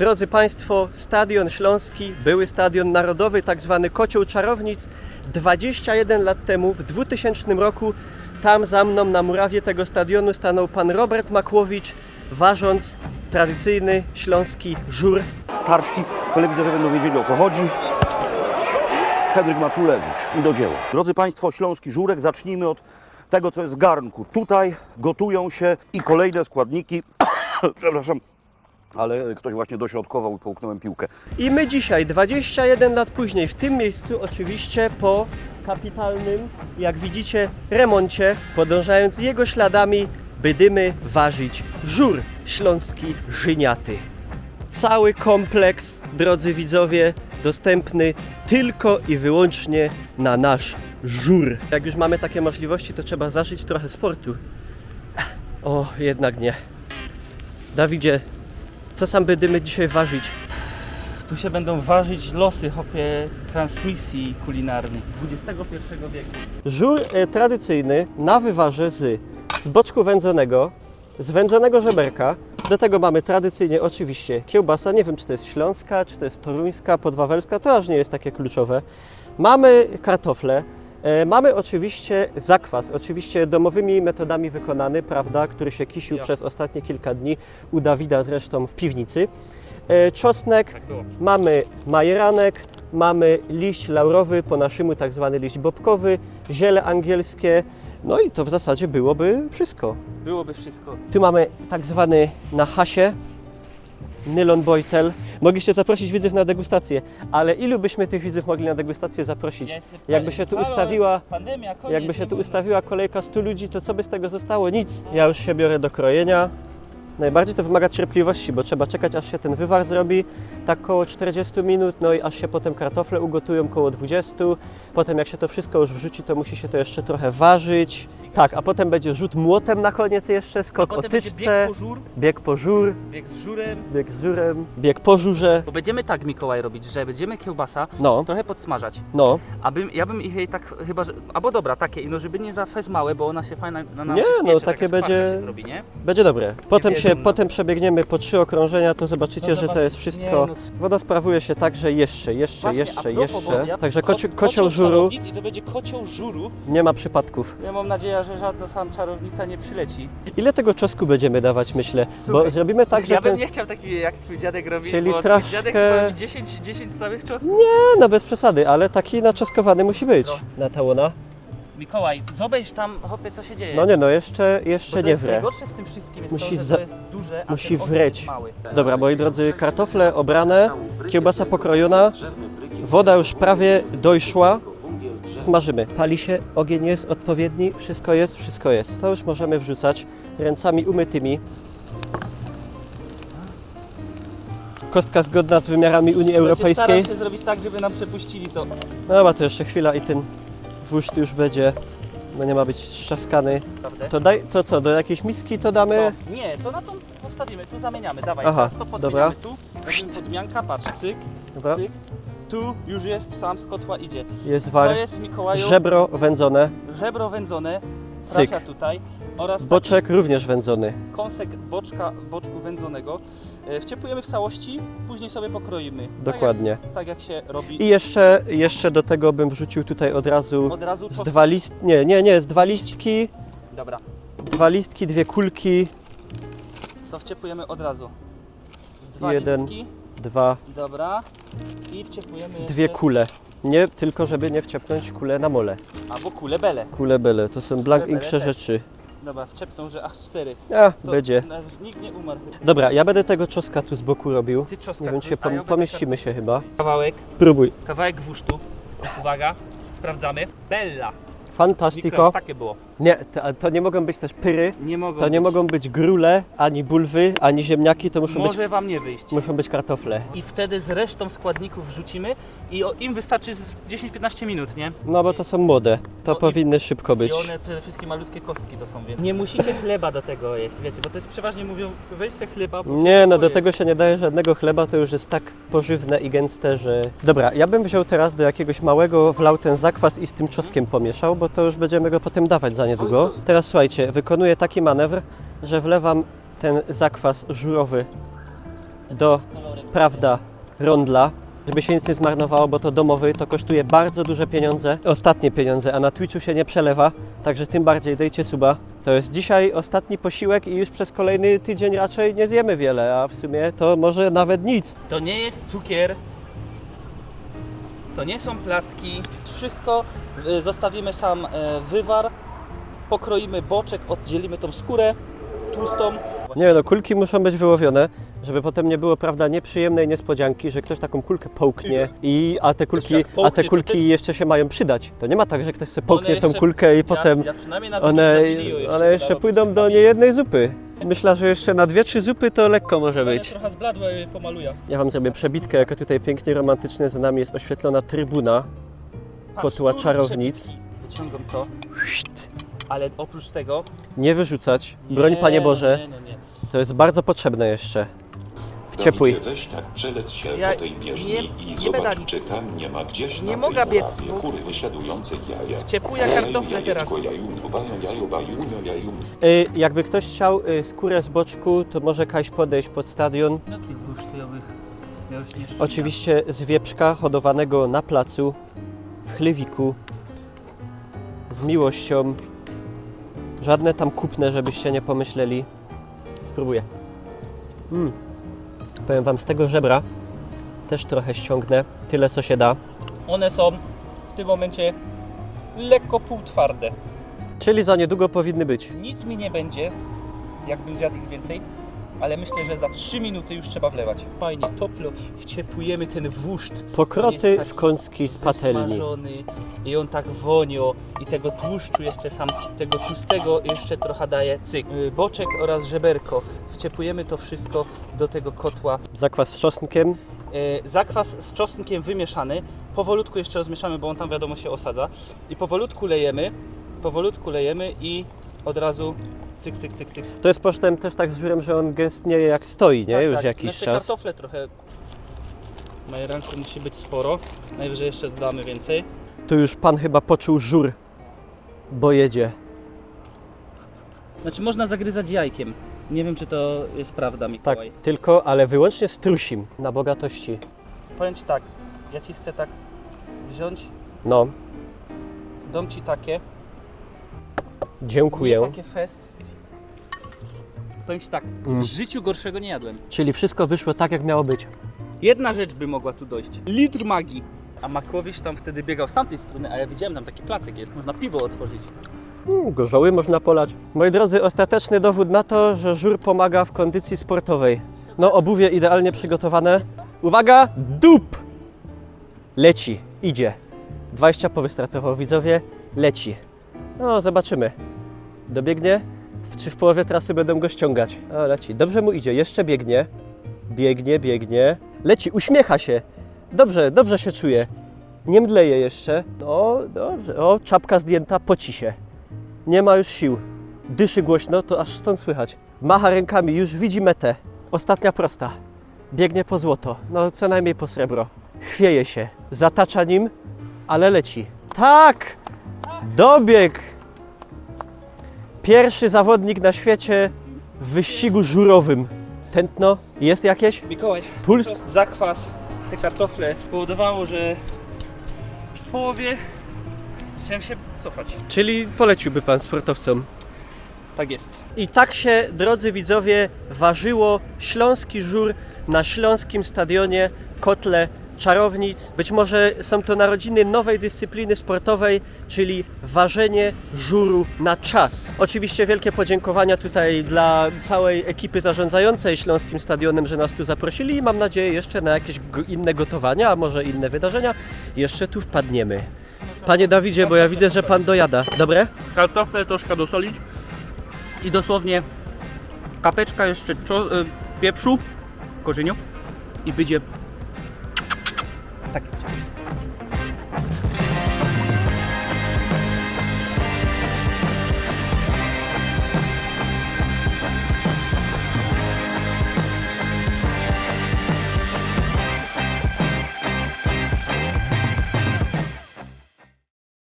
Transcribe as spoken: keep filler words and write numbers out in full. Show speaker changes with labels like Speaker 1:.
Speaker 1: drodzy Państwo, Stadion Śląski, były Stadion Narodowy, tak zwany Kocioł Czarownic, dwadzieścia jeden lat temu, w dwutysięcznym roku, tam za mną na murawie tego stadionu stanął pan Robert Makłowicz, ważąc tradycyjny śląski żur.
Speaker 2: Starsi telewidzowie będą wiedzieli, o co chodzi. Henryk Maculewicz i do dzieła. Drodzy Państwo, śląski żurek, zacznijmy od tego, co jest w garnku. Tutaj gotują się i kolejne składniki, przepraszam, ale ktoś właśnie dośrodkował i połknąłem piłkę.
Speaker 1: I my dzisiaj, dwadzieścia jeden lat później, w tym miejscu oczywiście po kapitalnym, jak widzicie, remoncie, podążając jego śladami, będziemy ważyć żur śląski żyniaty. Cały kompleks, drodzy widzowie, dostępny tylko i wyłącznie na nasz żur. Jak już mamy takie możliwości, to trzeba zażyć trochę sportu. O, jednak nie. Dawidzie, co sam będziemy dzisiaj ważyć?
Speaker 3: Tu się będą ważyć losy, hopie, transmisji kulinarnych dwudziestego pierwszego wieku.
Speaker 1: Żur e, tradycyjny na wywarze z, z boczku wędzonego, z wędzonego żeberka. Do tego mamy tradycyjnie oczywiście kiełbasa, nie wiem czy to jest śląska, czy to jest toruńska, podwawelska, to aż nie jest takie kluczowe. Mamy kartofle, e, mamy oczywiście zakwas, oczywiście domowymi metodami wykonany, prawda, który się kisił
Speaker 3: Ja.
Speaker 1: przez ostatnie kilka dni u Dawida zresztą w piwnicy. E, czosnek,
Speaker 3: Tak było.
Speaker 1: mamy majeranek, mamy liść laurowy, po naszemu tak zwany liść bobkowy, ziele angielskie, no i to w zasadzie byłoby wszystko.
Speaker 3: Byłoby wszystko.
Speaker 1: Tu mamy tak zwany na hasie nylon bojtel. Mogliście zaprosić widzów na degustację, ale ilu byśmy tych widzów mogli na degustację zaprosić?
Speaker 3: Ja jestem
Speaker 1: Jakby
Speaker 3: pewien.
Speaker 1: się tu
Speaker 3: Halo,
Speaker 1: ustawiła,
Speaker 3: pandemia, koniec,
Speaker 1: jakby się
Speaker 3: nie
Speaker 1: tu
Speaker 3: wolno.
Speaker 1: ustawiła kolejka stu ludzi, to co by z tego zostało? Nic. Ja już się biorę do krojenia. Najbardziej to wymaga cierpliwości, bo trzeba czekać, aż się ten wywar zrobi, tak koło czterdziestu minut, no i aż się potem kartofle ugotują koło dwudziestu. Potem jak się to wszystko już wrzuci, to musi się to jeszcze trochę ważyć. Tak, a potem będzie rzut młotem na koniec jeszcze, skok o
Speaker 3: Potem będzie
Speaker 1: tyczce,
Speaker 3: bieg po żur,
Speaker 1: bieg po żur,
Speaker 3: bieg z żurem.
Speaker 1: bieg z żurem, bieg po żurze.
Speaker 3: Bo będziemy tak, Mikołaj, robić, że będziemy kiełbasa
Speaker 1: No,
Speaker 3: trochę podsmażać.
Speaker 1: no.
Speaker 3: Abym, ja bym ich jej tak chyba, że, albo dobra, takie, no żeby nie za fez małe, bo ona się fajna na nas
Speaker 1: Nie, no,
Speaker 3: spiecze,
Speaker 1: takie
Speaker 3: taka skwarka
Speaker 1: będzie-
Speaker 3: się zrobi, nie?
Speaker 1: Będzie dobre. Potem, się,
Speaker 3: wiedzą, no.
Speaker 1: potem przebiegniemy po trzy okrążenia, to zobaczycie,
Speaker 3: No
Speaker 1: że to
Speaker 3: zobacz-
Speaker 1: jest wszystko.
Speaker 3: nie, no.
Speaker 1: Woda sprawuje się tak, że jeszcze, jeszcze,
Speaker 3: Właśnie, a
Speaker 1: jeszcze,
Speaker 3: propos,
Speaker 1: jeszcze.
Speaker 3: bo ja-
Speaker 1: Także
Speaker 3: ko-
Speaker 1: koci, kocioł żuru
Speaker 3: czarownic I to będzie kocioł żuru.
Speaker 1: nie ma przypadków.
Speaker 3: Ja mam nadzieję, że żadna sam czarownica nie przyleci.
Speaker 1: Ile tego czosnku będziemy dawać, myślę? Bo
Speaker 3: Słuchaj,
Speaker 1: zrobimy tak, że
Speaker 3: ja bym
Speaker 1: ten...
Speaker 3: nie chciał taki jak twój dziadek robi,
Speaker 1: Czyli
Speaker 3: bo
Speaker 1: troszkę-
Speaker 3: twój dziadek chyba robi dziesięć, dziesięć całych czosnków.
Speaker 1: Nie, no bez przesady, ale taki naczoskowany musi być.
Speaker 3: No.
Speaker 1: Na tałona.
Speaker 3: Mikołaj, zobacz tam, hopie, co się dzieje.
Speaker 1: No nie, no jeszcze,
Speaker 3: Bo
Speaker 1: jeszcze
Speaker 3: to
Speaker 1: nie
Speaker 3: jest
Speaker 1: wre.
Speaker 3: najgorsze w tym wszystkim jest
Speaker 1: Musi
Speaker 3: to, że
Speaker 1: za-
Speaker 3: to jest duże, a
Speaker 1: musi
Speaker 3: ten ogień
Speaker 1: wreć.
Speaker 3: jest mały.
Speaker 1: Dobra, moi drodzy, kartofle obrane, kiełbasa pokrojona, woda już prawie dojszła. Smażymy. Pali się, ogień jest odpowiedni, wszystko jest, wszystko jest. To już możemy wrzucać ręcami umytymi. Kostka zgodna z wymiarami Unii
Speaker 3: Będzie
Speaker 1: Europejskiej.
Speaker 3: staram się zrobić tak, żeby nam przepuścili to.
Speaker 1: No dobra, to jeszcze chwila i ten wóźd już będzie, no nie ma być strzaskany.
Speaker 3: Prawda?
Speaker 1: To daj, to co, do jakiejś miski to damy?
Speaker 3: To, nie, to na tą postawimy, tu zamieniamy, dawaj,
Speaker 1: Aha,
Speaker 3: teraz to
Speaker 1: dobra.
Speaker 3: podmieniamy tu. Robimy podmianka, patrz, cyk,
Speaker 1: Dobra,
Speaker 3: cyk. Tu już jest, sam z kotła idzie.
Speaker 1: jest
Speaker 3: To
Speaker 1: war,
Speaker 3: jest, Mikołaju,
Speaker 1: żebro wędzone,
Speaker 3: żebro wędzone,
Speaker 1: cyk.
Speaker 3: trafia tutaj oraz
Speaker 1: Boczek również wędzony.
Speaker 3: taki kąsek boczka, boczku wędzonego. E, Wciepujemy w całości, później sobie pokroimy.
Speaker 1: Dokładnie.
Speaker 3: Tak jak, tak jak się robi.
Speaker 1: I jeszcze, jeszcze do tego bym wrzucił tutaj od razu
Speaker 3: Od razu
Speaker 1: z
Speaker 3: czosnek.
Speaker 1: dwa list, nie, nie, nie, z dwa listki,
Speaker 3: Dobra,
Speaker 1: dwa listki, dwie kulki,
Speaker 3: to wciepujemy od razu. Z Dwa
Speaker 1: Jeden.
Speaker 3: listki,
Speaker 1: dwa,
Speaker 3: dobra. I wciepujemy
Speaker 1: dwie
Speaker 3: jeszcze-
Speaker 1: kule. Nie, tylko żeby nie wciepnąć kulę na mole.
Speaker 3: Albo kule bele.
Speaker 1: Kule bele, to są blank
Speaker 3: Kule
Speaker 1: inksze
Speaker 3: bele też.
Speaker 1: rzeczy.
Speaker 3: Dobra, wciepną, że aż cztery.
Speaker 1: A,
Speaker 3: To
Speaker 1: będzie.
Speaker 3: nawet nikt nie umarł.
Speaker 1: Dobra, ja będę tego czoska tu z boku robił.
Speaker 3: Ty czosnka,
Speaker 1: Nie wiem, czy się
Speaker 3: a ja
Speaker 1: pom-
Speaker 3: będę
Speaker 1: pomieścimy się chyba.
Speaker 3: Kawałek,
Speaker 1: Próbuj.
Speaker 3: kawałek gwusztu. Uwaga, sprawdzamy. Bella.
Speaker 1: Fantastico.
Speaker 3: Mikro, takie było.
Speaker 1: Nie, to, to nie mogą być też pyry,
Speaker 3: Nie mogą
Speaker 1: to nie
Speaker 3: być.
Speaker 1: mogą być grule, ani bulwy, ani ziemniaki, to muszą być,
Speaker 3: Może wam nie wyjść.
Speaker 1: muszą być kartofle.
Speaker 3: I wtedy z resztą składników wrzucimy i o, im wystarczy z dziesięć piętnaście minut, nie?
Speaker 1: No bo to są młode, to
Speaker 3: No i-
Speaker 1: powinny szybko być.
Speaker 3: I one przede wszystkim malutkie kostki to są, więc nie musicie chleba do tego jeść, wiecie, bo to jest przeważnie mówią, weź se chleba, bo
Speaker 1: Nie, no do
Speaker 3: pojedz.
Speaker 1: tego się nie daje żadnego chleba, to już jest tak pożywne i gęste, że... Dobra, ja bym wziął teraz do jakiegoś małego, wlał ten zakwas i z tym czosnkiem pomieszał, bo to już będziemy go potem dawać za niedługo. Teraz słuchajcie, wykonuję taki manewr, że wlewam ten zakwas żurowy do, prawda, rondla, żeby się nic nie zmarnowało, bo to domowy, to kosztuje bardzo duże pieniądze, ostatnie pieniądze, a na Twitchu się nie przelewa, także tym bardziej dajcie suba. To jest dzisiaj ostatni posiłek i już przez kolejny tydzień raczej nie zjemy wiele, a w sumie to może nawet nic.
Speaker 3: To nie jest cukier, to nie są placki. Wszystko y, zostawimy sam y, wywar, pokroimy boczek, oddzielimy tą skórę tłustą.
Speaker 1: Nie no, kulki muszą być wyłowione, żeby potem nie było, prawda, nieprzyjemnej niespodzianki, że ktoś taką kulkę połknie, i, a te kulki,
Speaker 3: jak połknie,
Speaker 1: a te
Speaker 3: to
Speaker 1: kulki
Speaker 3: ty-
Speaker 1: jeszcze się mają przydać. To nie ma tak, że ktoś sobie połknie
Speaker 3: One
Speaker 1: tą
Speaker 3: jeszcze-
Speaker 1: kulkę i
Speaker 3: ja,
Speaker 1: potem
Speaker 3: ja przynajmniej na
Speaker 1: one,
Speaker 3: na Wigiliu jeszcze
Speaker 1: one jeszcze
Speaker 3: dodam
Speaker 1: pójdą do
Speaker 3: pamięć.
Speaker 1: niejednej zupy. Myślę, że jeszcze na dwie, trzy zupy to lekko może
Speaker 3: Ale
Speaker 1: być.
Speaker 3: trochę zbladłe pomaluję.
Speaker 1: Ja wam zrobię przebitkę, jako tutaj pięknie romantycznie za nami jest oświetlona trybuna kotła
Speaker 3: Patrz,
Speaker 1: czarownic.
Speaker 3: przebitki. Wyciągam to, ale oprócz tego...
Speaker 1: Nie wyrzucać, broń
Speaker 3: Nie,
Speaker 1: Panie Boże,
Speaker 3: Nie, no nie.
Speaker 1: to jest bardzo potrzebne jeszcze. Wciepłuj.
Speaker 4: Dawidzie, weź tak przelec się
Speaker 3: Ja
Speaker 4: po tej bieżni
Speaker 3: nie-
Speaker 4: i
Speaker 3: nie
Speaker 4: zobacz,
Speaker 3: będę-
Speaker 4: czy tam nie ma gdzieś
Speaker 3: Nie
Speaker 4: na
Speaker 3: mogę
Speaker 4: tej
Speaker 3: biec,
Speaker 4: murawie
Speaker 3: bo-
Speaker 4: kury wysiadujące jaja.
Speaker 3: Ciepło jak
Speaker 4: Jaju,
Speaker 3: kartofle
Speaker 4: jajeczko,
Speaker 3: teraz.
Speaker 4: jaju, bajo, jaju, bajunia, jaju.
Speaker 1: Y, jakby ktoś chciał y, skórę z boczku, to może Kaś podejść pod stadion.
Speaker 3: Jaki wusztujowy? Ja już nie szczególnie.
Speaker 1: Oczywiście z wieprzka hodowanego na placu, w chlewiku, z miłością. Żadne tam kupne, żebyście nie pomyśleli. Spróbuję. Mm. Powiem wam, z tego żebra też trochę ściągnę, tyle co się da.
Speaker 3: One są w tym momencie lekko półtwarde.
Speaker 1: Czyli za niedługo powinny być.
Speaker 3: Nic mi nie będzie, jakbym zjadł ich więcej, ale myślę, że za trzy minuty już trzeba wlewać. Fajnie, toplo, wciepujemy ten wóżd.
Speaker 1: Pokroty
Speaker 3: On jest
Speaker 1: w kąski z
Speaker 3: taki
Speaker 1: patelni.
Speaker 3: wysmażony i on tak wonio i tego tłuszczu jeszcze sam, tego tłustego jeszcze trochę daje cyk. Y, Boczek oraz żeberko. Wciepujemy to wszystko do tego kotła.
Speaker 1: Zakwas z czosnkiem.
Speaker 3: E, zakwas z czosnkiem wymieszany, powolutku jeszcze rozmieszamy, bo on tam wiadomo się osadza i powolutku lejemy, powolutku lejemy i od razu cyk, cyk, cyk, cyk.
Speaker 1: To jest potem też tak z żurem, że on gęstnieje jak stoi, nie?
Speaker 3: Tak,
Speaker 1: Już
Speaker 3: tak.
Speaker 1: jakiś
Speaker 3: Jeszcze
Speaker 1: czas.
Speaker 3: kartofle trochę, majeranku musi być sporo, najwyżej jeszcze dodamy więcej.
Speaker 1: Tu już pan chyba poczuł żur, bo jedzie.
Speaker 3: Znaczy można zagryzać jajkiem, nie wiem czy to jest prawda,
Speaker 1: Tak,
Speaker 3: Mikołaj.
Speaker 1: tylko, ale wyłącznie strusim na bogatości.
Speaker 3: Powiem Ci tak, ja Ci chcę tak wziąć,
Speaker 1: No,
Speaker 3: dam Ci takie,
Speaker 1: dziękuję.
Speaker 3: nie takie fest. Powiem Ci tak,
Speaker 1: Mm.
Speaker 3: w życiu gorszego nie jadłem.
Speaker 1: Czyli wszystko wyszło tak, jak miało być.
Speaker 3: Jedna rzecz by mogła tu dojść. Litr magii. A Makłowicz tam wtedy biegał z tamtej strony, a ja widziałem tam taki placek jest. Można piwo otworzyć.
Speaker 1: Mm, gorzoły można polać. Moi drodzy, ostateczny dowód na to, że żur pomaga w kondycji sportowej. No, obuwie idealnie przygotowane. Uwaga, dup! Leci, idzie. dwadzieścia po wystartował, widzowie, leci. No, zobaczymy. Dobiegnie? Czy w połowie trasy będą go ściągać? O, leci. Dobrze mu idzie, jeszcze biegnie. Biegnie, biegnie. Leci, uśmiecha się. Dobrze, dobrze się czuje. Nie mdleje jeszcze. O, dobrze. O, czapka zdjęta, poci się. Nie ma już sił. Dyszy głośno, to aż stąd słychać. Macha rękami, już widzi metę. Ostatnia prosta. Biegnie po złoto. No, co najmniej po srebro. Chwieje się. Zatacza nim, ale leci. Tak! Dobieg! Pierwszy zawodnik na świecie w wyścigu żurowym. Tętno jest jakieś?
Speaker 3: Mikołaj,
Speaker 1: Puls?
Speaker 3: zakwas, te kartofle powodowało, że w połowie chciałem się cofać.
Speaker 1: Czyli poleciłby pan sportowcom.
Speaker 3: Tak jest.
Speaker 1: I tak się, drodzy widzowie, ważyło śląski żur na śląskim stadionie Kotle Czarownic. Być może są to narodziny nowej dyscypliny sportowej, czyli ważenie żuru na czas. Oczywiście wielkie podziękowania tutaj dla całej ekipy zarządzającej Śląskim Stadionem, że nas tu zaprosili i mam nadzieję jeszcze na jakieś go- inne gotowania, a może inne wydarzenia jeszcze tu wpadniemy. Panie Dawidzie, bo ja widzę, że pan dojada. Dobre?
Speaker 3: Kartofle troszkę dosolić i dosłownie kapeczka jeszcze czo- y, pieprzu, korzeniu i będzie